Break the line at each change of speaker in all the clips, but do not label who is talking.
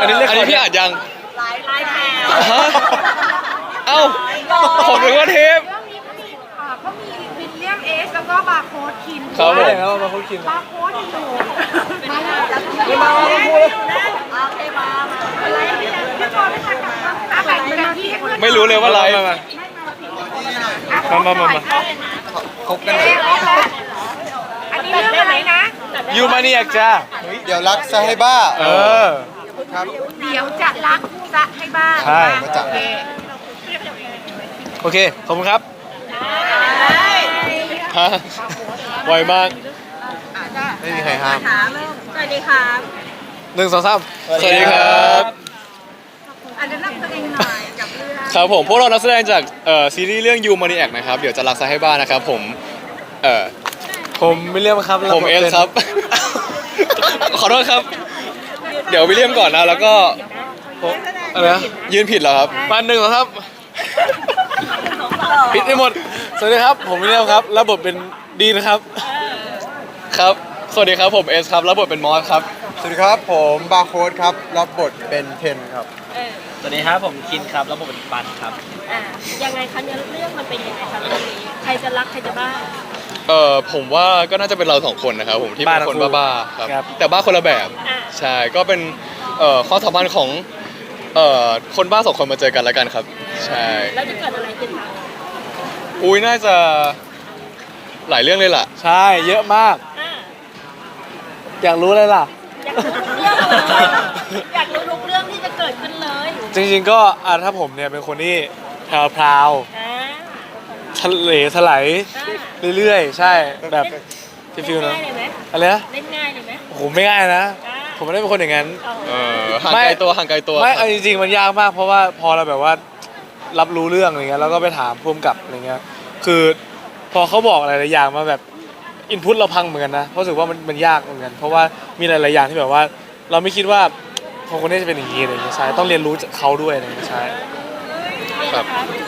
นนี้พี่อ่านยัง
ไลฟ์แถว
ฮะเอ้าผมนึกว่าเทป
เรื่องนี้เขามีวิลเลียมเอสแล้วก็บาร์โค้ดคิน
ครับผม
แล้วมาคุยกิน
บาร์โค้ดอยู่มาแล้ว
มาพูด
โอเคมาอะไรพี่พอไม่ทันกับตาแบ่งเป็นที่
ไม่รู้เลยว่าไลฟ์
มา
คบกัน
อันนี้เรื่องอะไรนะ
ยูมานีอยากจ้า
เดี๋ยวรักซะให้บ้าครับ
เดี๋ยวจะรักจะให้บ้าน
ใช่
มาจาก
โอเคขอบคุณครับ
ฮะไวมาก
ไม่มีใครห้าม
สวัสดีครับ
1 2 3
สวัสดีครับ
อันนี้นั่งตัวเองหน่อยกับเรื่อง
ครับผมพวกเรานักแสดงจากซีรีส์เรื่องยูมานีแอกนะครับเดี๋ยวจะรักซะให้บ้านนะครับผม
วิลเลียมครับ
ผมเอสครับ ขอโทษครับ เดี๋ยววิลเลียมก่อนนะแล้วก็
อะไรนะ
ยืนผิดเหรอครับ
มา1 2 3ผิดไปหมดสวัสดีครับผมวิลเลียมครับรับบทเป็นดีนะครับ
ครับสวัสดีครับผมเอสครับรับบทเป็นมอสครับ
สวัสดีครับผมบาร์โค้ดครับรับบทเป็นเทนครับ
สวัสดีครับผมคินครับแล้วผมเป็นปันครับ
ยังไงคะเนี่ยเรื่องมันเป็นยังไงคะเรื่องนี้ใครจะรักใครจะบ้า
ผมว่าก็น่าจะเป็นเรา2 คนนะครับผมที่เป็นคนบ้าๆครับแต่บ้าคนละแบบใช่ก็เป็นความสัมพันธ์ของคนบ้า2 คนมาเจอกันแล้วกันครับใช่
แล้วจะเกิดอะไรขึ้นคะ
อุ้ยน่าจะหลายเรื่องเลยล่ะ
ใช่เยอะมากอยากรู้เลยล่ะ
อยากรู้ทุกเรื่องที่จะเกิดขึ้นเลย
จริงๆก็ถ้าผมเนี่ยเป็นคนที่พราวๆทะเลถลายเรื่อยๆใช่แบบฟิลๆนะ
ง่ายเลยไหม
อะไรนะ
เล่นง่ายเลยไหม
โอ้โหไม่ง่ายนะผมไม่ได้เป็นคนอย่างนั้น
ห่างไกลตัวห่างไกลตัว
ไม่เอาจริงๆมันยากมากเพราะว่าพอเราแบบว่ารับรู้เรื่องอะไรเงี้ยแล้วก็ไปถามพุ่มกับอะไรเงี้ยคือพอเขาบอกอะไรหลายอย่างมาแบบอินพุตเราพังเหมือนกันนะเพราะรู้สึกว่ามันยากเหมือนกันเพราะว่ามีหลายๆอย่างที่แบบว่าเราไม่คิดว่าคนนี้จะเป็นอย่างนี้อะไรเงี้ยใช่ต้องเรียนรู้จากเขาด้วยอะไรเงี้ยใช่
ครับ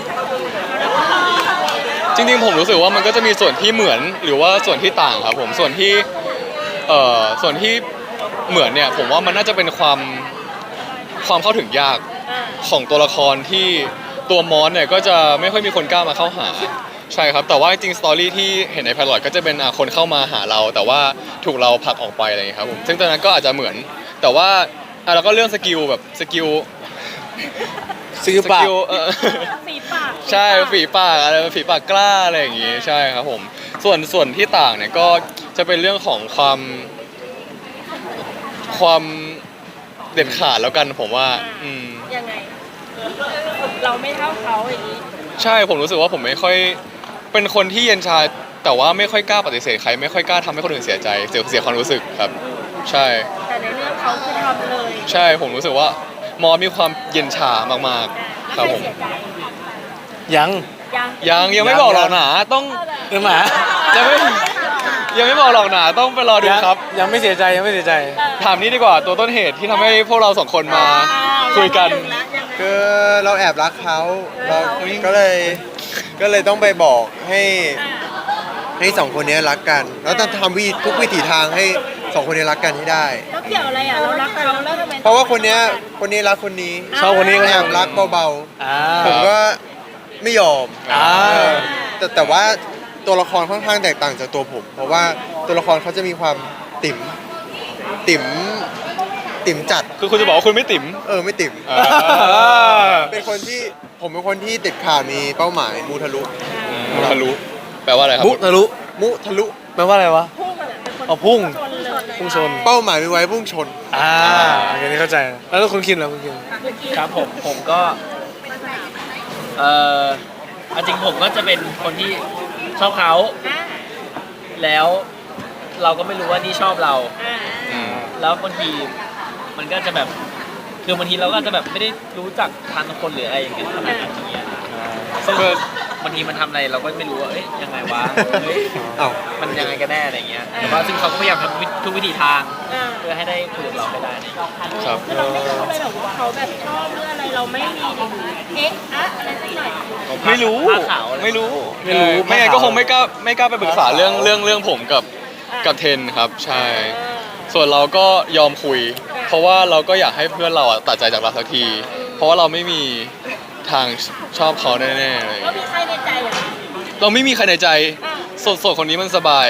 จริงๆผมรู้สึกว่ามันก็จะมีส่วนที่เหมือนหรือว่าส่วนที่ต่างครับผมส่วนที่เหมือนเนี่ยผมว่ามันน่าจะเป็นความเข้าถึงยากของตัวละครที่ตัวมอสเนี่ยก็จะไม่ค่อยมีคนกล้ามาเข้าหาใช่ครับแต่ว่าจริงสตอรี่ที่เห็นในไพลอตก็จะเป็นคนเข้ามาหาเราแต่ว่าถูกเราผลักออกไปอะไรอย่างเงี้ยครับผมซึ่งตอนนั้นก็อาจจะเหมือนแต่ว่าแล้วก็เรื่องสกิลแบบสกิล
ปาก
ฝีปาก
ใช่ฝีปากอะไรฝีปากกล้าอะไรอย่างงี้ใช่ครับผมส่วนที่ต่างเนี่ยก็จะเป็นเรื่องของความเด็ดขาดแล้วกันผมว่า
ยังไงเราไม่เท่าเขาอย่างนี้
ใช่ผมรู้สึกว่าผมไม่ค่อยเป็นคนที่เย็นชาแต่ว่าไม่ค่อยกล้าปฏิเสธใครไม่ค่อยกล้าทำให้คนอื่นเสียใจเสียความรู้สึกครับใช่
แต่ในเรื่องเขาคือทำเลย
ใช่ผมรู้สึกว่ามอมีความเย็นชามากๆครับผมยังไม่บอกหรอกหนาต้อง
หมา
ยังไม่บอกหรอกหนาต้องไปรอดูครับ
ยังไม่เสียใจ
ถามนี้ดีกว่าตัวต้นเหตุที่ทำให้พวกเรา2 คนมาคุยกัน
คือเราแอบรักเขาเราก็เลยต้องไปบอกให้2 คนนี้รักกันแล้วต้องทำทุกวิถีทางให้2 คนนี้รักกันให้ได้
แล้วเกี่ยวอะไรเรารักเขาแล้วทำไม
เพราะว่าคนนี้รักคนนี้
ชอบคนนี้ก็
แอบรักเบาๆผมก็ไม่ยอมแต่ว่าตัวละครค่อนข้างแตกต่างจากตัวผมเพราะว่าตัวละครเขาจะมีความติ๋มจัด
คือคุณจะบอกว่าคุณไม่ติ๋ม
ไม่ติ๋มเป็นคนที่ผมเป็นคนที่ติดข่าวมีเป้าหมายมูทะลุ
แปลว่าอะไรครับ
มุทะลุแปลว่าอะไรวะพุ่งชน
เป้าหมายมีไว้พุ่งชน
อันนี้เข้าใจแล้วคุณคิดแล้วคุณคิด
ครับผมก็จริงผมก็จะเป็นคนที่ชอบเขาแล้วเราก็ไม่รู้ว่านี่ชอบเราแล้วบางทีมันก็จะแบบคือบางทีเราก็จะแบบไม่ได้รู้จักทันคนหรืออะไรอย่างเงี้ยขนาดนั้นอย่างเงี้ยซึ่งบางทีมันทำอะไรเราก็ไม่รู้ว่ายังไงวะมันยังไงกันแน่อะไรเงี้ยแต่ว่าซึ่งเขาก็พยายามทำทุกวิธีทางเพื่อให้ได้คุยกับเราให้ได้
ครับ
เราไม่รู้เลยหรอกว่าเขาแบบชอบเรื่องอะไรเราไม่มีอะไรสักหน่อย
ไม่รู้ไม่งั้นก็คงไม่กล้าไปปรึกษาเรื่องผมกับเทนครับใช่ส่วนเราก็ยอมคุย เพราะว่าเราก็อยากให้เพื่อนเราอะตัดใจจากเราสักที เพราะว่าเราไม่มีทางชอบเขาแน่ๆเลย
ก็มีใครในใจอ่ะ
เราไม่มีใครในใจโสดๆคนนี้มันสบาย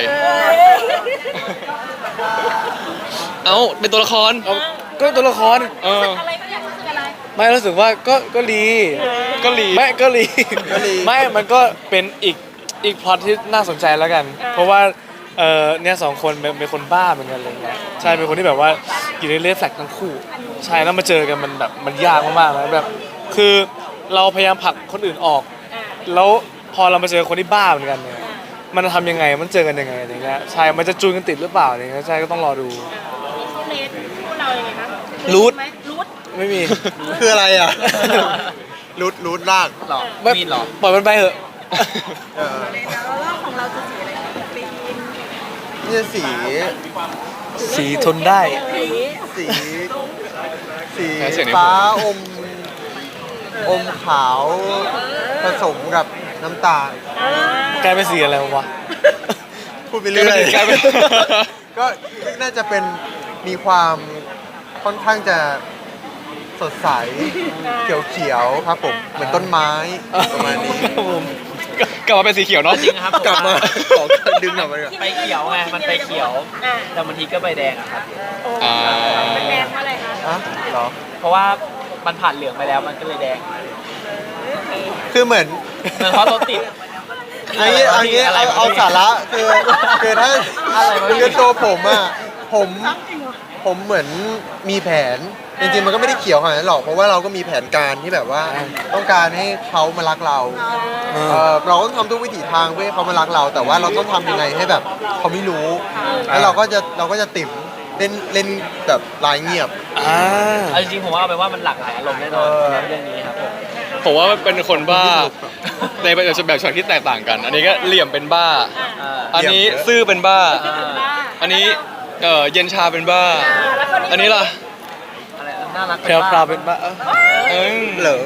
เอ้าเป็นตัวละคร
ก็ตัวละคร
เออ
อะไรก็อยากรู้สึกอะไร
ไม่รู้สึกว่าก็ดี
ก็หลี
ไม่ก็ดี
ก็ดี
ไม่มันก็เป็นอีกพล็อตที่น่าสนใจแล้วกัน เพราะว่าเนี่ยสองคนเป็นคนบ้าเหมือนกันอะไรเงี้ยใช่เป็นคนที่แบบว่าอยู่ในเลสแฟลกทั้งคู่ ใช่แล้วมาเจอกันมันแบบมันยากมากๆนะแบบคือเราพยายามผลักคนอื่นออก แล้วพอเรามาเจอคนที่บ้าเหมือนกันเนี่ยมันจะทำยังไงมันเจอกันยังไงอะไรเงี้ยใช่มันจะจูนกันติดหรือเปล่าอะไรเงี้ยใช่ก็ต้องรอดู
มีคู่เลนคู่เรายังไงคะ
รูท
ไหมรูท
ไม่มี
คืออะไรอ่ะ รูดลาก
หรอ
ไม่
มีดหรอ
ปล่อยมันไปเถอะ
เออ
แล้วรอบของเราจะสีอะไรปีน
นี่จะสี
สีทนได้
สี
สี
แพ้เสียงใน
ฟ้า
หู
อมขาวผสมกับน้ำตาล
กลายเป็นสีอะไรวะ
พูดไปเรื่อย
กลายเป็น
ก็น่าจะเป็นมีความค่อนข้างจะสดใสเขียวๆครับผมเหมือนต้นไม้ประมาณนี้
ครับผม
กลับมาเป็นสีเขียวเนาะ
จริงนะครับผม
กลับมา
ว่
ขอดึงกลับมาก่อน
ไปเขียวไงมันไปเขียว แต่บางทีก็ใบแดงอะครับ
อ่า
มันแดงเพราะอะไรคะ
อ่ะเหรอ
เพราะว่ามันผ่านเหลืองไปแล้วมันก็เลยแดง
คือเหมือน
มันเพราะรถติด
อันนี้เอาสาระคือถ้า
อะไรวะพี่
คือตัวผมอ่ะผมเหมือนมีแผนจริงๆมันก็ไม่ได้เขียวขนาดนั้นหรอกเพราะว่าเราก็มีแผนการที่แบบว่าต้องการให้เขามารักเราเราก็ต้องทำทุกวิถีทางเพื่อให้เขามารักเรา แต่ว่าเราต้องทำยังไงให้แบบเขาไม่รู้ แล้วเราก็จะติ่มเล่นแบบลายเงียบ
อ่า
เอาจริงๆผมว่าเอาไปนว่ามันหลากหลายอารมณ์แน่นอน
เออ
สำหรับเรื่องนี้ครับผม
ผมว่าเป็นคนบ้า ในแบบฉากที่แตกต่างกัน อันนี้ก็เหลี่ยมเป็นบ้า อันนี้ซื่อเป็นบ้า อันนี้เย็นชาเป็นบ้า อันนี้ล่ะ
อะไรน่ารัก
แพรวพราวเป็นบ้า
เอ้ย
เหรอ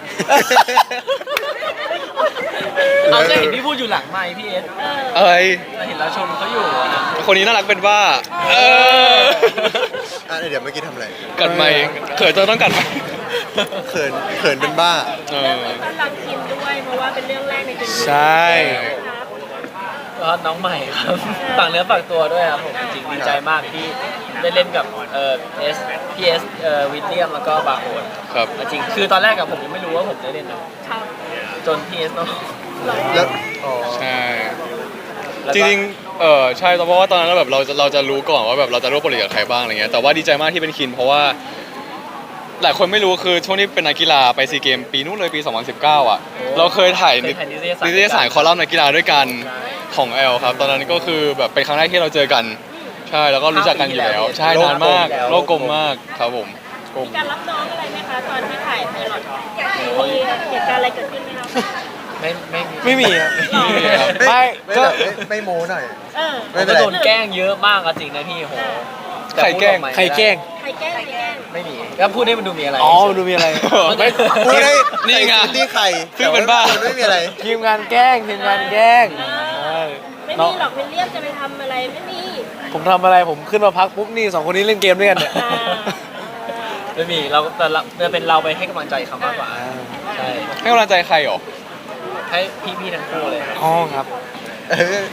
เอาจะเห็นพี่พูดอยู่หลังไมค์พี่เอส
อะไร
เราเห็นเราชมเขาอยู่นะ
คนนี้น่ารักเป็นบ้า เออ
อ่ะเดี๋ยวเมื่อกี้ทำอะไร
กัดไม่เขินจนต้องกัดไม่
เขินเป็นบ้า
เอ
เรื่อง
อ
นี้ต้อนรับคิมด้วยเพราะว่าเป็นเรื่องแรกในชีวิต
ใช่
ครับ
ก็น้องใหม่ครับฝากเนื้อฝากตัวด้วยครับผมจริงๆดีใจมากที่ได้เล่นกับพีเอสวิลเลียมแล้วก็บาร์โฮน
ครับ
จริงคือตอนแรกกับผมยังไม่รู้ว่าผมได้เล่นนะครับ จนพีเอสเนาะ
แล้วอ๋อ
ใช่
แล้ว
จ
ก็
ริงๆใช่เพราะว่าตอนนั้นแบบเราจะรู้ก่อนว่าแบบเราจะร่วมโปรเจกต์กับใครบ้างอะไรเงี้ย แต่ว่าดีใจมากที่เป็นคิน เพราะว่า หลายคนไม่รู้คือช่วงที่เป็นนักกีฬาไปซีเกมปีนู้นเลยปี 2019 อ่ะ เราเคยถ่ายนิตยสารคอลัมน์นักกีฬาด้วยกันของแอลครับ ตอนนั้นก็คือแบบเป็นครั้งแรกที่เราเจอกัน ใช่แล้วก็รู้จักกันอยู่แล้ว ใช่นานมากโลกกลมมากครับผม
มีการรับน้องอะไรไหมคะตอนที่ถ่ายไพลอตมีเหตุการณ์อะไรเกิดขึ้นไหมครับ
ไม่มีครับ
ไม่
ไม่
ไม่
ก็
แบบไม่โม้หน่อย
เออ
ไม่
ผม
เป็น
ก็
ไร
โดนแกล้งเยอะมากอะจริงนะพี่โหแต่
ใครแกล้ง
พูดออมา
ใครแกล้ง
ใครแกล้งใครแกล้ง
ไม่มีแล้วพูดให้มันดูมีอะไร
อ๋อดูมีอะไรไม่
พูดได้
นี่ไง
ที่ใคร
ซึ่งเป็นบ้า
แต่ว่ไม่มีอะไร
ทีมงานแกล้งทีมงานแกล้งใช่
ไม่
เนาะ
มีหรอกวิลเลียมจะไปทำอะไรไม่มี
ผมทำอะไรผมขึ้นมาพักปุ๊บนี่สองคนนี้เล่นเกมด้วยกันเนี่ย
ไม่มีเราแต่เราจะเป็นเราไปให้กำลังใจเขามากกว่าใช่
ให้กำลังใจใครหรอ
ให้พี่ๆทั้งคู่เลยครับ
อ๋อครับ
เออ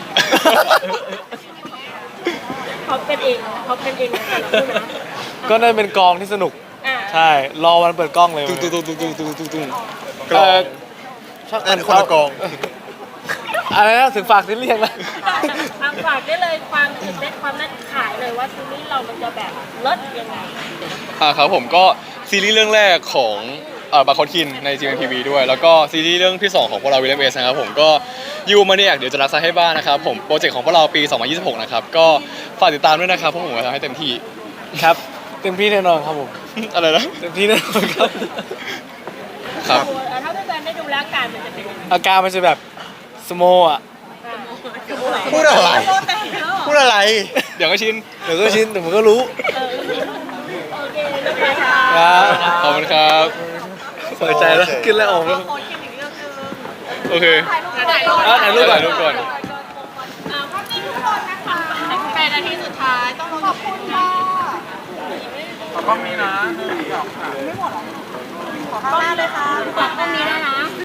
เขาเป็นเองเขาเป็นเองแต่เราพูดนะ
ก็น่าเป็นกองที่สนุก
อ่า
ใช่รอวันเปิดกล้องเลย
ตุ้งตุ้งตุ้งตุ้งตุ้งตุ้งตุ้ง
กลอง
ช่าง
นั่นคนละกอง
อะไรนะถึงฝากซีรีส์ยังนะ
ทางฝากได้เลยความตื่นเต้นความน่าขายเลยว่าซีรีส์เรามันจะแบบเลิศยังไง
ครับผมก็ซีรีส์เรื่องแรกของบาร์โคดคินใน GMTV ด้วย แล้วก็ซีรีส์เรื่องที่ 2 ของพวกเราวิลเลมเอสนะครับผมก็ยูมาเนี่ยเดี๋ยวจะรักษาให้บ้านนะครับผมโปรเจกต์ของพวกเราปี 2026 นะครับก็ฝากติดตามด้วยนะครับเพราะผมจะทำให้เต็มที่
ครับเต็มที่แน่นอนครับผม
อะไรนะ
เต็มที่แน่นอนครับ
ครับ
ถ้าเป็นการได้ดูแล้วการมันจะเป็นยังไง
อาการมันจะแบบสโมอ่ะ
พูดอะไร พูดอะไร
เดี๋ยวก็ชิน
เดี๋ยวก็ชินเดี๋ยวผมก็รู้
โอเคเรียบร้อยค่ะ
ครับ
ขอบคุณครับ
เปิดใจแล้วขึ้นแล้วออกแล้ว
โอเค
ถ่ายรูปก่อน
ถ่ายรูปก่อน
ภาพนี้ทุกคนนะคะเป็นนาทีสุดท้ายต้องขอบคุณค่ะขอกล้องนี้นะคะ